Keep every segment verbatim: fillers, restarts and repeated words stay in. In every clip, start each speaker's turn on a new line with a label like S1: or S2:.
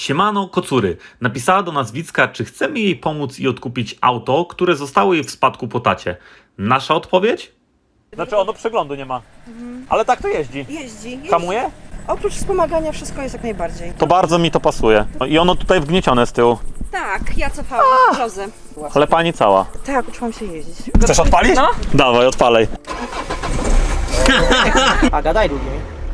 S1: Siemano Kocury napisała do nas Wicka, czy chcemy jej pomóc i odkupić auto, które zostało jej w spadku po tacie. Nasza odpowiedź? Znaczy ono przeglądu nie ma, mhm. ale tak to jeździ.
S2: Jeździ, jeździ.
S1: Hamuje?
S2: Oprócz wspomagania wszystko jest jak najbardziej.
S1: To bardzo mi to pasuje. No i ono tutaj wgniecione z tyłu.
S2: Tak, ja cofałam lozę.
S1: Ale pani cała.
S2: Tak, uczyłam się jeździć.
S1: Chcesz odpalić?
S2: No.
S1: Dawaj, odpalej.
S3: A gadaj długiej.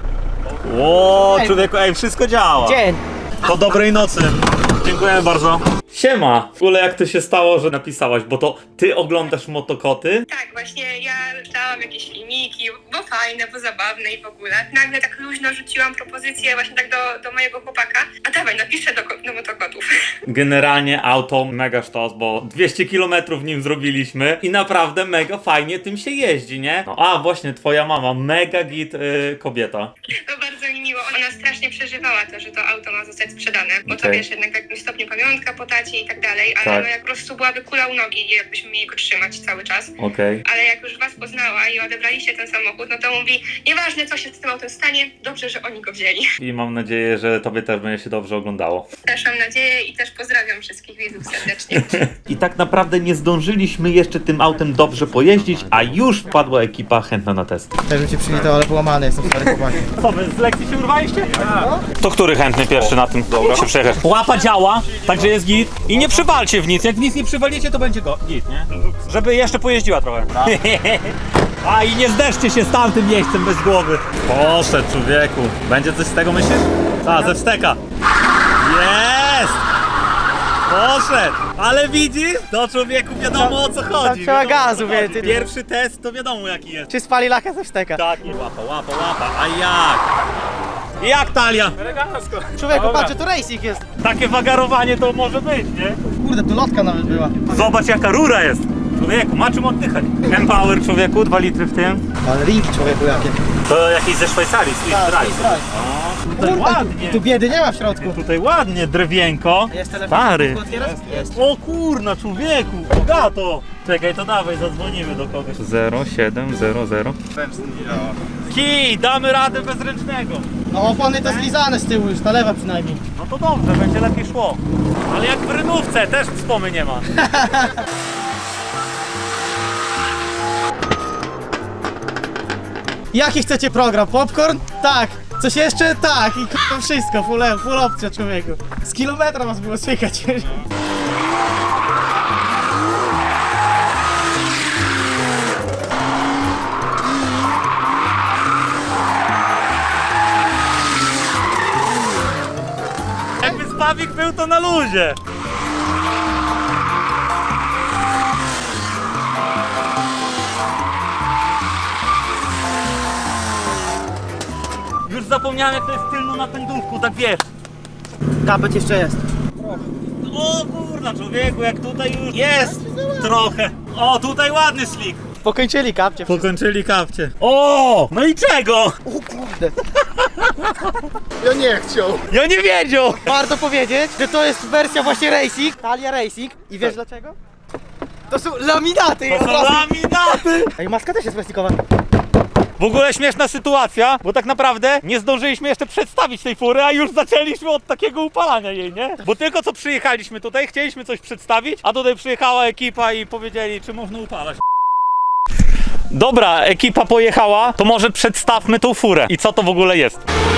S1: Ło, człowieku, ej, wszystko działa.
S3: Dzień.
S1: Po dobrej nocy. Dziękujemy bardzo. Siema. W ogóle jak to się stało, że napisałaś, bo to ty oglądasz motokoty?
S4: Tak, właśnie ja czytałam jakieś filmiki, bo fajne, bo zabawne i w ogóle. Nagle tak luźno rzuciłam propozycję właśnie tak do, do mojego chłopaka. A dawaj, napiszę do, do motokotów.
S1: Generalnie auto mega sztos, bo dwieście kilometrów nim zrobiliśmy i naprawdę mega fajnie tym się jeździ, nie? No, a właśnie, twoja mama, mega git yy, kobieta.
S4: To bardzo mi miło. Ona strasznie przeżywała to, że to auto ma zostać sprzedane, bo to
S1: Okej.
S4: wiesz, jednak w jakimś stopniu pamiątka po tacie i tak dalej, ale
S1: Tak.
S4: no jak po prostu byłaby kula u nogi, jakbyśmy mieli go trzymać cały czas.
S1: Okej.
S4: Ale jak już was poznała i odebraliście ten samochód, no to mówi, nieważne co się z tym autem stanie, dobrze, że oni go wzięli.
S1: I mam nadzieję, że tobie też będzie się dobrze oglądało.
S4: Też mam nadzieję i też pozdrawiam wszystkich widzów serdecznie.
S1: I tak naprawdę nie zdążyliśmy jeszcze tym autem dobrze pojeździć, a już wpadła ekipa chętna na test.
S3: Też bym cię przywitał, ale połamany jestem, stary chłopaki.
S1: Co, wy z lekcji się urwaliście? To który chętny pierwszy na tym się przejechać? Łapa działa, także jest git. I nie przywalcie w nic, jak w nic nie przywalicie, to będzie go git, nie? Żeby jeszcze pojeździła trochę. A i nie zderzcie się z tamtym miejscem bez głowy. Poszedł, człowieku. Będzie coś z tego, myślisz? A, ze wsteka. Jest! Poszedł! Ale widzisz? To człowieku wiadomo o co chodzi.
S3: trzeba
S1: wiadomo,
S3: gazu,
S1: o co chodzi.
S3: wie, ty-
S1: Pierwszy test to wiadomo jaki jest.
S3: Czy spali lachę ze wsteka?
S1: Tak, i łapa, łapa, łapa. A jak? Jak talia?
S3: Człowieku, patrz, tu racing jest.
S1: Takie wagarowanie to może być, nie?
S3: Kurde, tu lotka nawet była.
S1: Zobacz jaka rura jest. Człowieku, ma czym oddychać. Empower człowieku, dwa litry w tym.
S3: Ale ringi człowieku jakie.
S1: To jakieś ze Szwajcarii, Swiss
S3: Tak,
S1: Drive.
S3: Swiss Drive.
S1: O, tutaj
S3: Kurde,
S1: ładnie.
S3: tu biedy nie ma w środku.
S1: Tutaj ładnie, drewienko.
S3: Jest telefon?
S1: Stary.
S3: Otwierasz? Jest.
S1: O kurna, człowieku, bogato. Czekaj, to dawaj, zadzwonimy do kogoś. zero siedem zero zero. Kij, damy radę bez ręcznego.
S3: No opony to zlizane z tyłu już, ta lewa przynajmniej.
S1: No to dobrze, będzie lepiej szło. Ale jak w rynówce, też wspomy nie ma.
S3: Jaki chcecie program? Popcorn? Tak. Coś jeszcze? Tak. I k***a wszystko, full, full opcja człowieku. Z kilometra was było słychać.
S1: Jakby spawik był to na luzie. Już zapomniałem jak to jest tylno na pędówku, tak wiesz.
S3: Kapeć jeszcze jest.
S1: O kurna człowieku, jak tutaj już jest trochę. O, tutaj ładny slick.
S3: Pokończyli kapcie.
S1: Pokończyli kapcie. O, no i czego?
S3: O kurde. Ja nie chciał.
S1: Ja nie wiedział.
S3: Warto powiedzieć, że to jest wersja właśnie Racing, Talia Racing. I wiesz dlaczego? To są laminaty.
S1: To
S3: od
S1: są
S3: razu.
S1: laminaty.
S3: Ej, maska też jest plastikowa.
S1: W ogóle śmieszna sytuacja, bo tak naprawdę nie zdążyliśmy jeszcze przedstawić tej fury, a już zaczęliśmy od takiego upalania jej, nie? Bo tylko co przyjechaliśmy tutaj, chcieliśmy coś przedstawić, a tutaj przyjechała ekipa i powiedzieli, czy można upalać. Dobra, ekipa pojechała, to może przedstawmy tą furę. I co to w ogóle jest?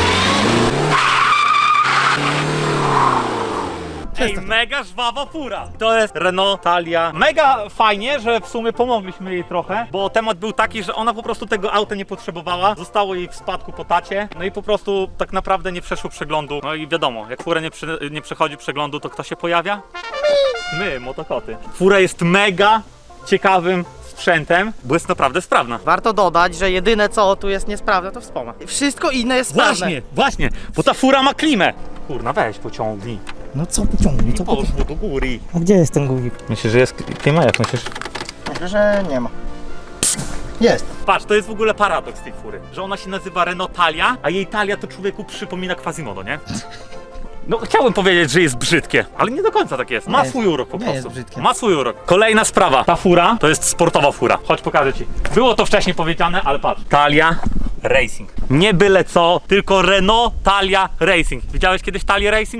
S1: Ej, mega żwawa fura. To jest Renault Talia. Mega fajnie, że w sumie pomogliśmy jej trochę, bo temat był taki, że ona po prostu tego auta nie potrzebowała. Zostało jej w spadku po tacie, no i po prostu tak naprawdę nie przeszło przeglądu. No i wiadomo, jak fura nie, przy, nie przechodzi przeglądu, to kto się pojawia? My, motokoty. Fura jest mega ciekawym sprzętem, bo jest naprawdę sprawna.
S3: Warto dodać, że jedyne co tu jest niesprawne to wspomag. Wszystko inne jest sprawne.
S1: Właśnie, właśnie, bo ta fura ma klimę. Kurna, weź pociągnij.
S3: No co pociągnij, co pociągnij?
S1: Poszło do góry.
S3: A gdzie jest ten guzik?
S1: Myślisz, że jest klima? Jak myślisz?
S3: Myślę, że nie ma. Jest.
S1: Patrz, to jest w ogóle paradoks tej fury, że ona się nazywa Renault Talia, a jej talia to człowieku przypomina Quasimodo, nie? No chciałbym powiedzieć, że jest brzydkie, ale nie do końca tak jest. Ma
S3: Nie,
S1: swój urok po
S3: nie
S1: prostu.
S3: jest brzydkie.
S1: Ma swój urok. Kolejna sprawa. Ta fura to jest sportowa fura. Chodź, pokażę ci. Było to wcześniej powiedziane, ale patrz. Talia Racing. Nie byle co, tylko Renault Talia Racing. Widziałeś kiedyś Talię Racing?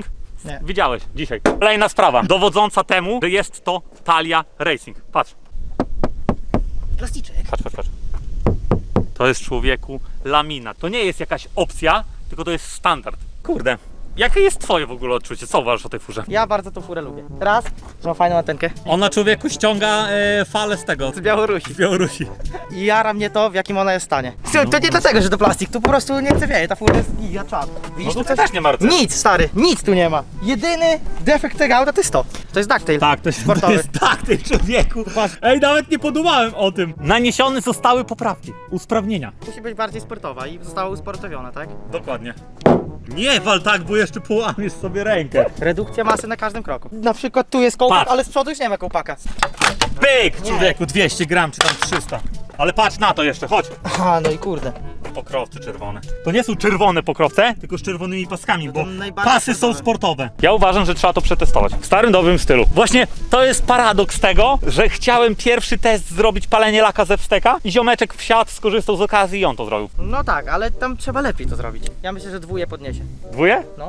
S3: Nie.
S1: Widziałeś dzisiaj. Kolejna sprawa, dowodząca temu, że jest to Thalia Racing. Patrz,
S3: Plasticzek.
S1: patrz, patrz, patrz. To jest, człowieku, laminat. To nie jest jakaś opcja, tylko to jest standard. Kurde. Jakie jest twoje w ogóle odczucie? Co uważasz o tej furze?
S3: Ja bardzo tą furę lubię. Raz, że ma fajną antenkę.
S1: Ona, człowieku, ściąga e, falę z tego.
S3: Z Białorusi.
S1: Z Białorusi.
S3: I jara mnie to, w jakim ona jest stanie. Słuchaj, to nie dlatego, że to plastik, tu po prostu nie chce wieje, ta fura jest giga czad. Widzisz,
S1: No
S3: tu
S1: to też nie ma rdzenia.
S3: Nic, stary, nic tu nie ma. Jedyny defekt tego auta to jest to. To jest ducktail.
S1: Tak, to jest, to
S3: Sportowy.
S1: jest tak, ty człowieku. Ej, nawet nie podumałem o tym. Naniesione zostały poprawki, usprawnienia.
S3: Musi być bardziej sportowa i została usportowiona, tak?
S1: Dokładnie. Nie wal tak, bo jeszcze połamiesz sobie rękę.
S3: Redukcja masy na każdym kroku. Na przykład tu jest kołpak,
S1: Patrz.
S3: ale z przodu już nie ma kołpaka.
S1: Pyk, człowieku, dwieście gram czy tam trzysta. Ale patrz na to jeszcze, chodź.
S3: Aha, no i kurde.
S1: Pokrowce czerwone. To nie są czerwone pokrowce, tylko z czerwonymi paskami, bo
S3: najbardziej
S1: pasy są
S3: sportowe.
S1: sportowe. Ja uważam, że trzeba to przetestować. W starym, dobrym stylu. Właśnie to jest paradoks tego, że chciałem pierwszy test zrobić palenie laka ze wsteka i ziomeczek wsiadł, skorzystał z okazji i on to zrobił.
S3: No tak, ale tam trzeba lepiej to zrobić. Ja myślę, że dwóje podniesie.
S1: Dwóje?
S3: No.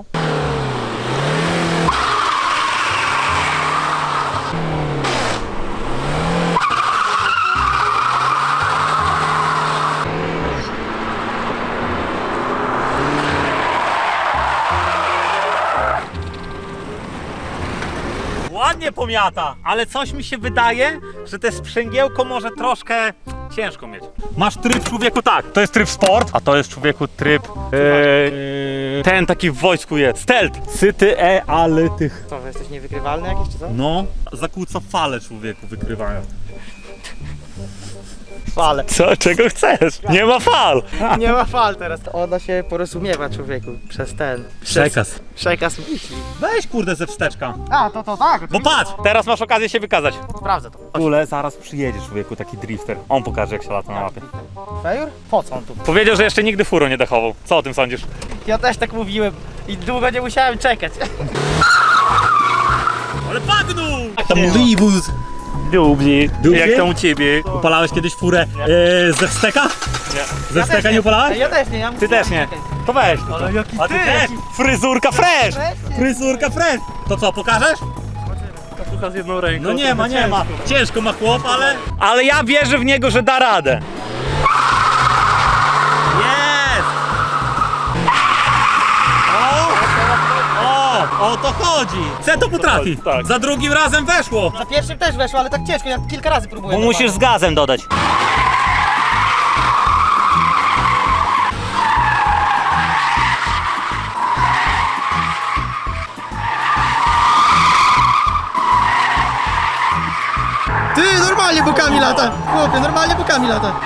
S1: Ładnie pomiata, ale coś mi się wydaje, że te sprzęgiełko może troszkę ciężko mieć. Masz tryb, człowieku, tak, to jest tryb sport, a to jest, człowieku, tryb e, ten taki w wojsku jest, stealth. Syty, e, ale tych.
S3: Co, że jesteś niewykrywalny jakiś czy co?
S1: No, zakłóca fale, człowieku, wykrywają.
S3: Fale.
S1: Co, czego chcesz? Nie ma fal.
S3: Nie ma fal teraz. Ona się porozumiewa człowieku przez ten. Przez
S1: Przekaz.
S3: Przekaz myśli.
S1: Weź, kurde, ze wsteczka.
S3: A, to to tak.
S1: Bo patrz, teraz masz okazję się wykazać.
S3: Sprawdzę to.
S1: W ogóle zaraz przyjedzie, człowieku, taki drifter. On pokaże, jak się lata na mapie.
S3: Fejur? Po co on tu?
S1: Powiedział, że jeszcze nigdy furo nie dechował. Co o tym sądzisz?
S3: Ja też tak mówiłem i długo nie musiałem czekać.
S1: Ale bagnął!
S3: Tam
S1: Libus! Dubli. Jak tam u ciebie? Upalałeś kiedyś furę e, ze wsteka? Nie. Ze wsteka nie upalałeś?
S3: Ja też nie. Ja
S1: Ty też nie. To weź.
S3: Ale jaki
S1: A ty
S3: ty?
S1: też? Fryzurka fresh!
S3: Fresh?
S1: Fryzurka fresh! To co, pokażesz?
S3: Słucha z jedną ręką.
S1: No nie ma, nie ma. Ciężko ma chłop, ale... Ale ja wierzę w niego, że da radę. Jest! O! O! O to chodzi! C to potrafi.
S5: Tak.
S1: Za drugim razem weszło.
S3: Za pierwszym też weszło, ale tak ciężko, ja kilka razy próbuję.
S1: Bo musisz z gazem dodać.
S3: Ty, normalnie bokami lata! Chłopie, normalnie bokami lata!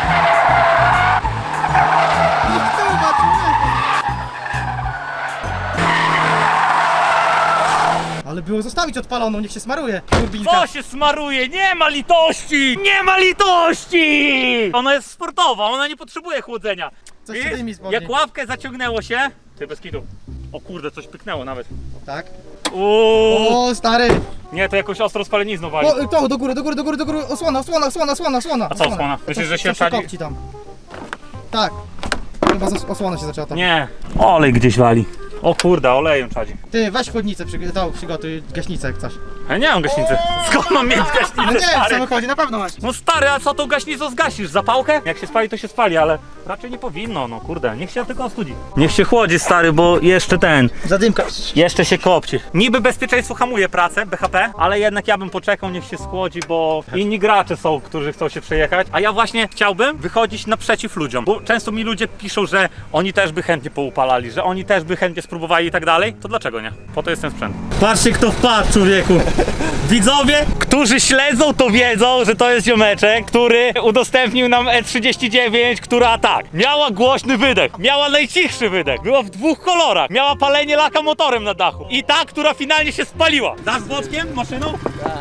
S3: Ale było zostawić odpaloną, niech się smaruje, turbinka.
S1: Co się smaruje? Nie ma litości! Nie ma litości! Ona jest sportowa, ona nie potrzebuje chłodzenia.
S3: Coś się
S1: Widzisz?
S3: dymi spodnie.
S1: Jak łapkę zaciągnęło się... Ty, bez kitu. O kurde, coś pyknęło nawet.
S3: Tak.
S1: Uuu.
S3: O, stary!
S1: Nie, to jakąś ostrą spalenizną wali.
S3: O, to, do góry, do góry, do góry, do góry, osłona, osłona, osłona, osłona, osłona.
S1: A co osłona? Myślisz, że się
S3: Coś
S1: wsadzi?
S3: kopci tam. Tak. Chyba zas- osłona się zaczęła tam.
S1: Nie. Olej gdzieś wali. O kurde, olejem czadzi.
S3: Ty, weź chłodnicę, przyg- to, przygotuj gaśnicę jak coś.
S1: Ja nie mam gaśnicy. Skąd mam mieć
S3: No
S1: gaśnicę,
S3: nie, w
S1: stary?
S3: samochodzie na pewno masz.
S1: No stary, a co tą gaśnicą zgasisz? Zapałkę? Jak się spali, to się spali, ale raczej nie powinno, no kurde. Niech się tylko ostudzi. Niech się chłodzi, stary, bo jeszcze ten...
S3: Zadymka.
S1: Jeszcze się kopci. Niby bezpieczeństwo hamuje pracę, B H P, ale jednak ja bym poczekał, niech się schłodzi, bo inni gracze są, którzy chcą się przejechać. A ja właśnie chciałbym wychodzić naprzeciw ludziom, bo często mi ludzie piszą, że oni też by chętnie poupalali, że oni też by chętnie spróbowali i tak dalej. To dlaczego nie? Po to jest ten sprzęt. Patrzcie, kto wpadł, człowieku. Widzowie, którzy śledzą, to wiedzą, że to jest ziomeczek, który udostępnił nam E trzydzieści dziewięć, która tak, miała głośny wydech, miała najcichszy wydech, była w dwóch kolorach, miała palenie laka motorem na dachu i ta, która finalnie się spaliła. Dasz z boczkiem maszyną?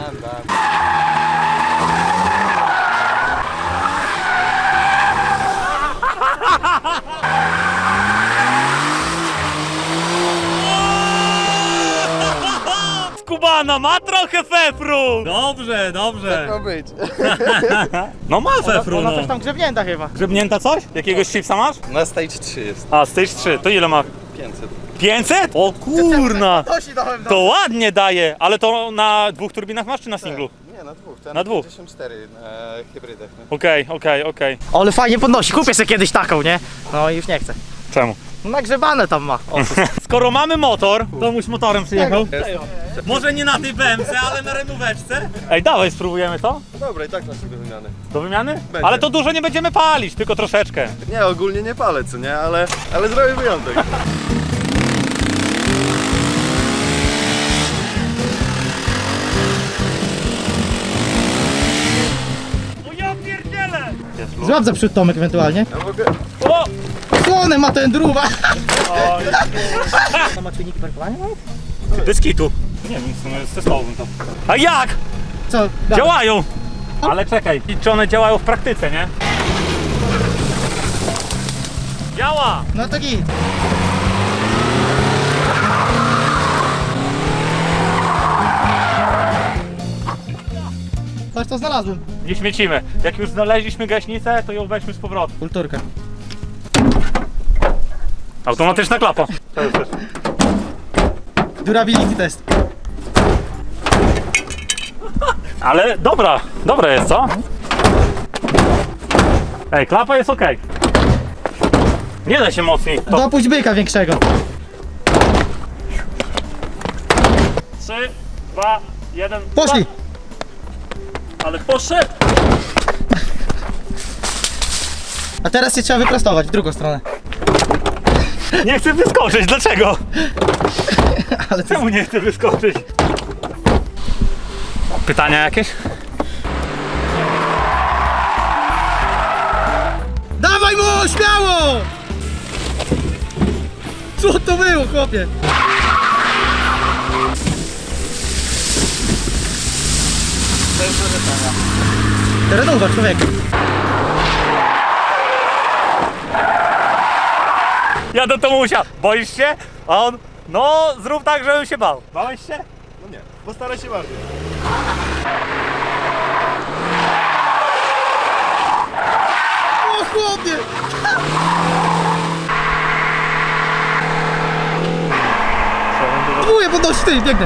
S1: Skubana ma trochę fefru! Dobrze, dobrze.
S5: Ma być.
S1: No ma fefru,
S3: Ona
S1: no.
S3: coś tam grzebnięta chyba.
S1: Grzebnięta coś? Jakiegoś chipsa masz?
S5: Na stage trzy jest.
S1: A, stage trzy, to ile ma?
S5: pięćset.
S1: pięćset? O kurna!
S3: Nosi dałem
S1: To ładnie daje, ale to na dwóch turbinach masz czy na singlu?
S5: Nie, na dwóch. Ten
S1: Na dwóch.
S5: pięćdziesiąt cztery na hybrydach. Nie?
S1: Okej, okej, okej.
S3: Ale fajnie podnosi, kupię sobie kiedyś taką, nie? No i już nie chcę.
S1: Czemu?
S3: No nagrzebane tam ma. O,
S1: Skoro mamy motor, to muś motorem przyjechał. Może nie na tej B M C, ale na renóweczce. Ej, dawaj, spróbujemy to?
S5: Dobra, i tak masz do wymiany.
S1: Do wymiany?
S5: Będzie.
S1: Ale to dużo nie będziemy palić, tylko troszeczkę.
S5: Nie, ogólnie nie palę, co nie? Ale, ale zrobię wyjątek.
S1: O ja pierdzielę!
S3: złap za przód Tomek ewentualnie.
S5: Ja mogę...
S1: O!
S3: Słone ma ten druwa.
S1: Oj.
S3: To ma czujniki parkowania?
S1: Bez kitu. Nie wiem, w sumie testowałbym to. A jak?
S3: Co?
S1: Działają! Ale czekaj, czy one działają w praktyce, nie? Działa!
S3: No to git. Patrz co znalazłem.
S1: Nie śmiecimy. Jak już znaleźliśmy gaśnicę, to ją weźmy z powrotem.
S3: Kulturka.
S1: Automatyczna klapa. To jest też.
S3: Durability test.
S1: Ale dobra, dobra jest, co? Ej, klapa jest ok. Nie da się mocniej. To
S3: Dopuść byka większego.
S1: trzy, dwa, jeden.
S3: Poszli.
S1: Ale poszedł!
S3: A teraz się trzeba wyprostować w drugą stronę.
S1: Nie chcę wyskoczyć, dlaczego?
S3: Ale to...
S1: Czemu nie chcę wyskoczyć? Pytania jakieś?
S3: Dawaj mu, śmiało! Co to było, chłopie? Terenowa, człowieku.
S1: Ja do Tomusia. Boisz się? A on, no zrób tak, żebym się bał. Bałeś się?
S5: No nie, postaraj się bardziej.
S3: O chłopie! Próbuję podnosić, ty, biegnę.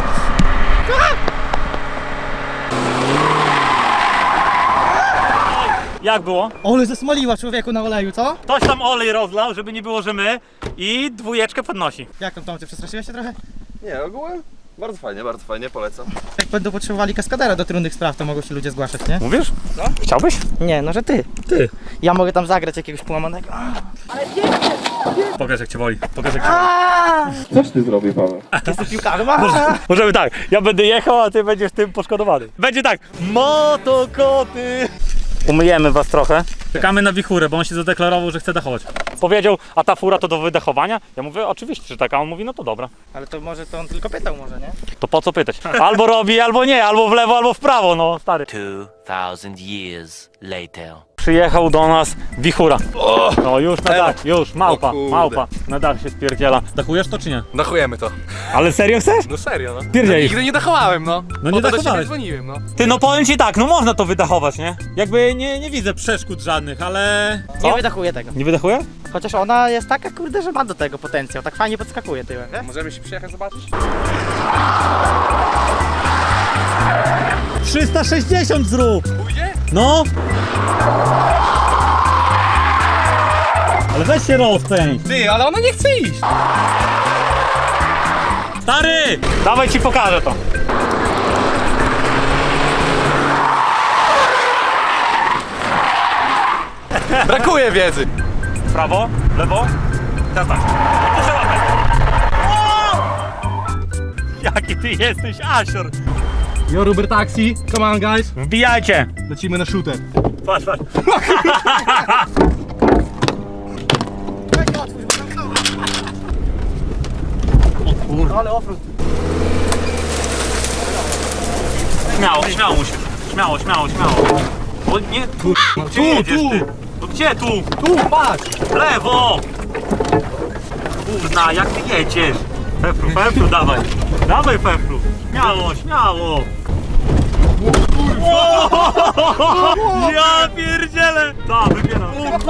S1: Jak było?
S3: Ole zesmoliła człowieku na oleju, co?
S1: Ktoś tam olej rozlał, żeby nie było, że my i dwójeczkę podnosi.
S3: Jak tam, Tomcie, przestraszyłeś się trochę?
S5: Nie, ogółem bardzo fajnie, bardzo fajnie, polecam.
S3: Jak będą potrzebowali kaskadera do trudnych spraw, to mogą się ludzie zgłaszać, nie?
S1: Mówisz? No. Chciałbyś?
S3: Nie, no że ty.
S1: Ty.
S3: Ja mogę tam zagrać jakiegoś połamanego.
S1: Pokaż jak cię boli. Pokaż jak cię boli.
S5: Coś ty zrobił, Paweł?
S3: Jesteś piłkarzem?
S1: Możemy tak, ja będę jechał, a ty będziesz tym poszkodowany. Będzie tak, motokoty. Umyjemy was trochę. Czekamy na wichurę, bo on się zadeklarował, że chce dachować. Powiedział, a ta fura to do wydechowania? Ja mówię, oczywiście, że tak, a on mówi, no to dobra.
S3: Ale to może to on tylko pytał może, nie?
S1: To po co pytać? Albo robi, albo nie, albo w lewo, albo w prawo, no stary.
S6: Two thousand years later.
S1: Przyjechał do nas wichura. No już na dach, już, małpa,
S5: O kurde.
S1: małpa. Na dach się spierdziela. Dachujesz to czy nie?
S7: Dachujemy to.
S1: Ale serio chcesz?
S7: No serio, no.
S1: Pierdzielisz.
S7: Nigdy nie dachowałem, no.
S1: No nie
S7: Po to do
S1: dachowałeś.
S7: ciebie dzwoniłem, no.
S1: Ty, no powiem ci tak, no można to wydachować, nie? Jakby nie, nie widzę przeszkód żadnych, ale...
S3: Nie wydachuję tego.
S1: Nie wydachuje?
S3: Chociaż ona jest taka, kurde, że ma do tego potencjał. Tak fajnie podskakuje tyłem, wiesz?
S7: Możemy się przyjechać zobaczyć?
S1: trzysta sześćdziesiąt zrób!
S7: Pójdzie?
S1: No! Ale weź się rozpędź!
S7: Ty, ale ona nie chce iść.
S1: Stary! Dawaj ci pokażę to.
S7: Brakuje wiedzy.
S1: Prawo, lewo. Teraz tak. Proszę łapać. O! Jaki ty jesteś asior!
S7: Yo, Uber Taxi, come on guys.
S1: Wbijajcie!
S7: Lecimy na shooter.
S1: Patrz, patrz.
S3: Ale ofród.
S1: Śmiało, śmiało musisz. Śmiało, śmiało, śmiało. O nie, tu, gdzie
S7: tu,
S1: jedziesz
S7: tu.
S1: ty? No gdzie tu?
S7: Tu, patrz.
S1: W lewo! Kurna, jak ty jedziesz? Fefru, Fefru, dawaj. Dawaj, Fefru. Śmiało, śmiało. Ja pierdzielę! Tak, wybieram.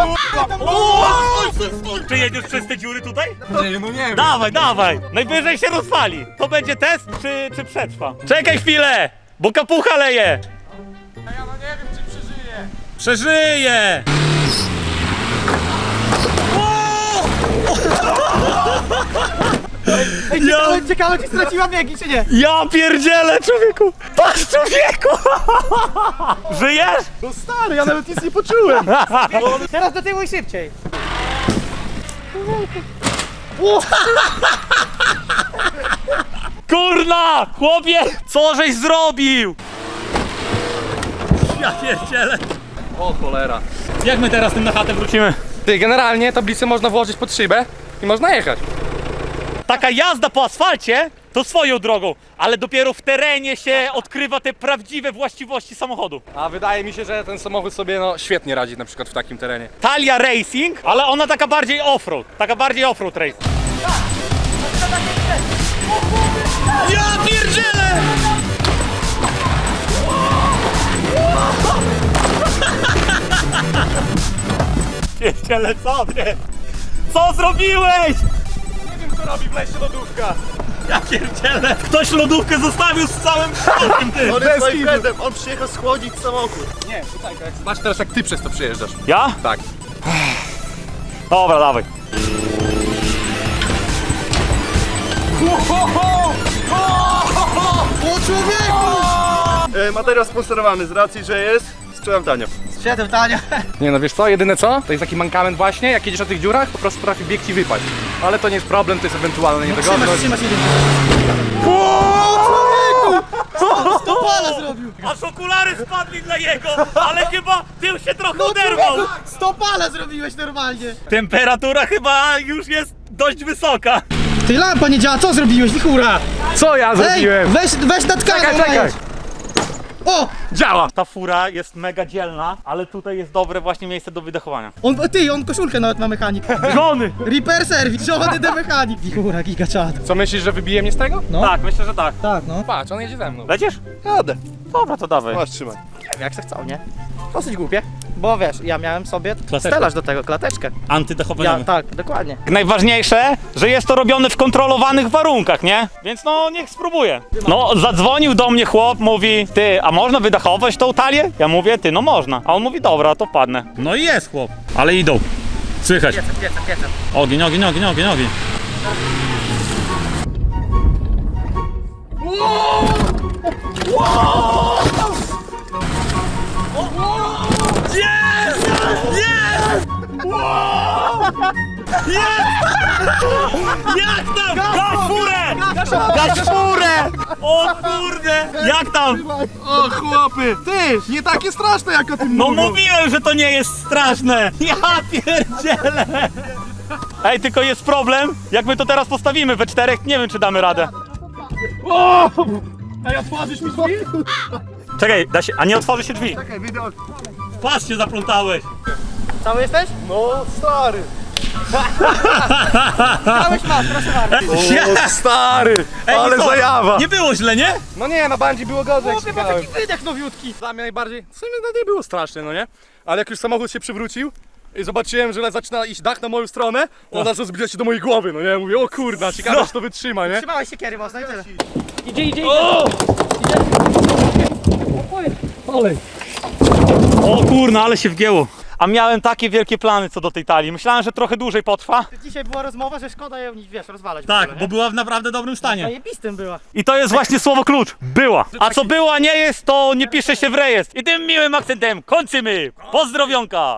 S1: Czy jedziesz przez te dziury tutaj?
S7: Nie, no nie wiem.
S1: Dawaj, dawaj! Najwyżej się rozwali. To będzie test, czy, czy przetrwa? Czekaj chwilę, bo kapucha leje.
S7: Ja no nie wiem, czy przeżyję.
S1: Przeżyje!
S3: Ej, ciekawe, ciekawe, czy straciła biegi, czy nie?
S1: Ja pierdzielę, człowieku! Patrz, człowieku! Żyjesz?
S5: No stary, ja nawet nic nie poczułem.
S3: Teraz do tyłu i szybciej.
S1: Kurna! Chłopie! Co żeś zrobił? Ja pierdzielę.
S7: O cholera.
S1: Jak my teraz tym na chatę wrócimy?
S7: Ty, generalnie tablicę można włożyć pod szybę i można jechać.
S1: Taka jazda po asfalcie to swoją drogą, ale dopiero w terenie się odkrywa te prawdziwe właściwości samochodu.
S7: A wydaje mi się, że ten samochód sobie no świetnie radzi na przykład w takim terenie.
S1: Talia Racing, ale ona taka bardziej off-road, taka bardziej off-road race. Ja pierdzielę! Pierdzielę, co ty? Co zrobiłeś?
S5: Nie wiem co robi w lesie lodówka.
S1: Ja pierdzielę! Ktoś lodówkę zostawił z całym środkiem, ty!
S5: On jest moim friendem, on przyjechał schłodzić samochód.
S7: Nie, tutaj tak. Zobacz teraz jak ty przez to przyjeżdżasz.
S1: Ja?
S7: Tak.
S1: Dobra, dawaj.
S3: O człowieku!
S5: E, materiał sponsorowany z racji, że jest. Sprzedam tanio.
S3: Siedem tania.
S7: Nie no wiesz co, jedyne co? To jest taki mankament właśnie, jak jedziesz na tych dziurach, po prostu potrafi bieg ci wypaść. Ale to nie jest problem, to jest ewentualna
S3: Trzymasz,
S7: niedogodność.
S3: trzymasz jeden. O człowieku! sto pala zrobił!
S1: Aż okulary spadli dla jego, ale chyba tył się trochę
S3: No
S1: oderwał.
S3: człowieku! sto pala zrobiłeś normalnie!
S1: Temperatura chyba już jest dość wysoka.
S3: Ty, lampa nie działa, co zrobiłeś, wichura?
S7: Co ja
S3: Ej,
S7: zrobiłem?
S3: weź, weź nad
S7: Czekaj,
S3: karą
S7: czekaj.
S3: najedź. O!
S7: Działa!
S1: Ta fura jest mega dzielna, ale tutaj jest dobre właśnie miejsce do wydechowania.
S3: On, ty, on koszulkę nawet ma mechanik.
S1: Żony!
S3: Repair service, żony de mechanik. Wichura, giga czad.
S7: Co myślisz, że wybije mnie z tego?
S3: No.
S1: Tak, myślę, że tak.
S3: Tak, no.
S7: Patrz, on jedzie ze mną.
S1: Lecisz?
S5: Jadę.
S1: Dobra, to dawaj.
S5: Masz, trzymaj.
S3: Jak se chcą, nie? Dosyć głupie. Bo wiesz, ja miałem sobie
S1: Klateczkę.
S3: stelaż do tego, klateczkę.
S1: Antydechowaniowy.
S3: Ja, tak, dokładnie.
S1: Najważniejsze, że jest to robione w kontrolowanych warunkach, nie? Więc no, niech spróbuje. No, zadzwonił do mnie chłop, mówi, ty, a można wydechować tą talię? Ja mówię, ty, no można. A on mówi, dobra, to wpadnę. No i jest chłop. Ale idą. Słychać.
S3: Piecem, piecem, piecem.
S1: Ogień, ogień, ogień, ogień, ogień. Jest! Jest! Jest! Jak tam? Gaś furę! Gaś furę! O kurde! Jak tam?
S5: O chłopy, ty, nie takie straszne jak o tym
S1: No
S5: mówią.
S1: mówiłem, że to nie jest straszne! Ja pierdzielę! Ej, tylko jest problem, jak my to teraz postawimy we czterech, nie wiem czy damy radę.
S5: Ej, otworzysz mi drzwi?
S1: Czekaj, da się, a nie otworzy się drzwi.
S5: Czekaj, widok.
S1: Patrz, się zaplątałeś.
S3: Cały jesteś?
S5: No stary.
S3: Cały masz, proszę bardzo.
S5: O stary,
S1: Ej,
S5: ale
S1: i co?
S5: zajawa.
S1: Nie było źle, nie?
S7: No nie, na bandzi było gorzej jak
S3: Chłopie, ma
S7: szukałem.
S3: taki wydech nowiutki.
S7: Dla mnie najbardziej, w sumie no nie było straszne, no nie? Ale jak już samochód się przywrócił i zobaczyłem, że zaczyna iść dach na moją stronę, to od razu zbliża się do mojej głowy, no nie? Mówię, o kurna, ciekawe,
S1: No.
S7: czy to wytrzyma, nie?
S3: Trzymałeś się kiery mocno i tyle.
S1: O kurna, ale się wgięło. A miałem takie wielkie plany co do tej talii. Myślałem, że trochę dłużej potrwa.
S3: Dzisiaj była rozmowa, że szkoda ją, wiesz, rozwalać. w
S1: Tak,
S3: ogóle,
S1: bo
S3: nie?
S1: była w naprawdę dobrym stanie.
S3: Zajebistym była.
S1: I to jest właśnie słowo klucz. Była. A co była nie jest, to nie pisze się w rejestr. I tym miłym akcentem kończymy. Pozdrowionka.